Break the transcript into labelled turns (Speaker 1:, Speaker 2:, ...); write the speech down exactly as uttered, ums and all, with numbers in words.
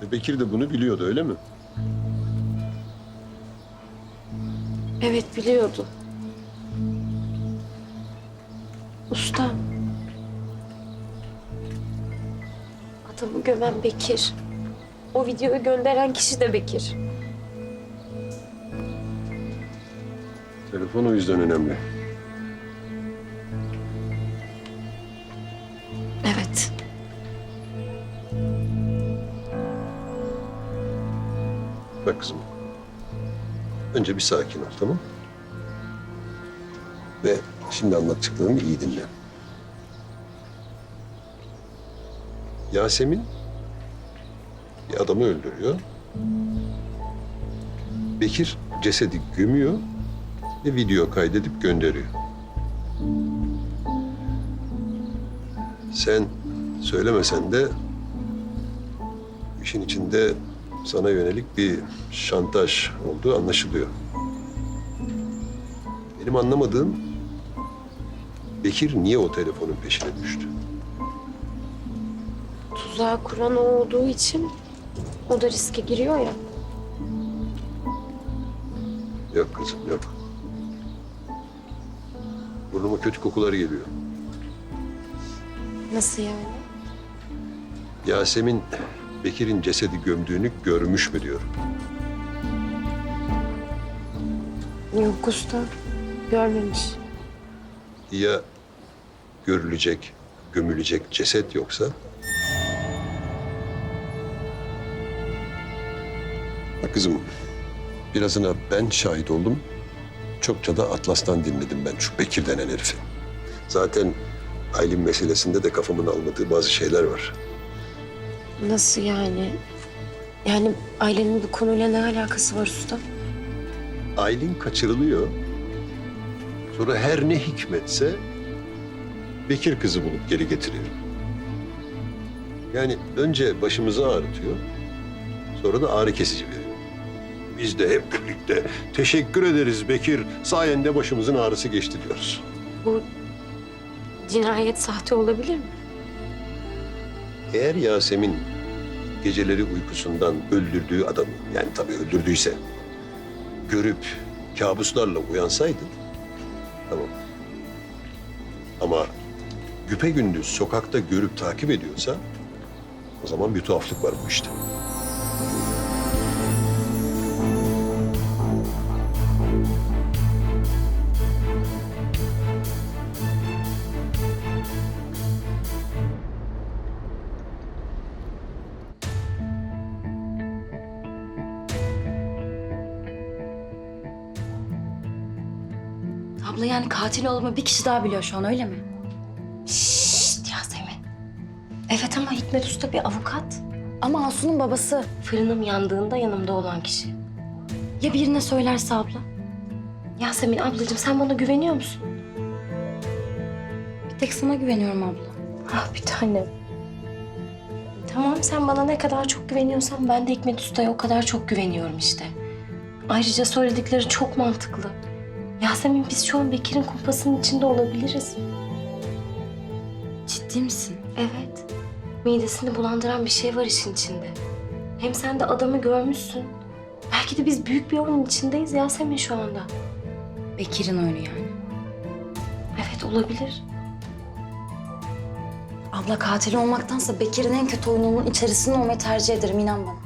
Speaker 1: E, Bekir de bunu biliyordu, öyle mi?
Speaker 2: Evet, biliyordu. Usta. Adamı gömen Bekir. O videoyu gönderen kişi de Bekir.
Speaker 1: Telefon o yüzden önemli.
Speaker 2: Evet.
Speaker 1: Bak kızım. Önce bir sakin ol, tamam? Ve şimdi anlattıklarımı iyi dinle. Yasemin bir adamı öldürüyor. Bekir cesedi gömüyor ve video kaydedip gönderiyor. Sen söylemesen de işin içinde sana yönelik bir şantaj olduğu anlaşılıyor. Benim anlamadığım Bekir niye o telefonun peşine düştü?
Speaker 2: Tuzağı kuran o olduğu için o da riske giriyor ya.
Speaker 1: Yok kızım, yok. Burnuma kötü kokular geliyor.
Speaker 2: Nasıl yani?
Speaker 1: Yasemin Bekir'in cesedi gömdüğünü görmüş mü diyorum.
Speaker 2: Yok usta. Görmemiş.
Speaker 1: Ya görülecek, gömülecek ceset yoksa? Bak kızım, birazına ben şahit oldum. Çokça da Atlas'tan dinledim ben şu Bekir denen herifi. Zaten Aylin meselesinde de kafamın almadığı bazı şeyler var.
Speaker 2: Nasıl yani? Yani ailenin bu konuyla ne alakası var usta?
Speaker 1: Aylin kaçırılıyor. Sonra her ne hikmetse Bekir kızı bulup geri getiriyor. Yani önce başımızı ağrıtıyor, sonra da ağrı kesici veriyor. Biz de hep birlikte teşekkür ederiz Bekir, sayende başımızın ağrısı geçti diyoruz.
Speaker 2: Bu cinayet sahte olabilir mi?
Speaker 1: Eğer Yasemin geceleri uykusundan öldürdüğü adamı, yani tabii öldürdüyse, görüp kabuslarla uyansaydı, tamam. Ama güpegündüz sokakta görüp takip ediyorsa, o zaman bir tuhaflık var bu işte.
Speaker 3: Abla yani katil olduğumu bir kişi daha biliyor şu an, öyle mi?
Speaker 2: Şşt Yasemin. Evet ama Hikmet Usta bir avukat.
Speaker 3: Ama Asu'nun babası.
Speaker 2: Fırınım yandığında yanımda olan kişi.
Speaker 3: Ya birine söylerse abla?
Speaker 2: Yasemin ablacığım sen bana güveniyor musun?
Speaker 3: Bir tek sana güveniyorum abla.
Speaker 2: Ah bir tanem. Tamam sen bana ne kadar çok güveniyorsan ben de Hikmet Usta'ya o kadar çok güveniyorum işte. Ayrıca söyledikleri çok mantıklı. Yasemin biz şu an Bekir'in kumpasının içinde olabiliriz.
Speaker 3: Ciddi misin?
Speaker 2: Evet. Midesini bulandıran bir şey var işin içinde. Hem sen de adamı görmüşsün. Belki de biz büyük bir oyunun içindeyiz Yasemin şu anda.
Speaker 3: Bekir'in oyunu yani.
Speaker 2: Evet olabilir.
Speaker 3: Abla katil olmaktansa Bekir'in en kötü oyununun içerisinde olmayı tercih ederim, inan bana.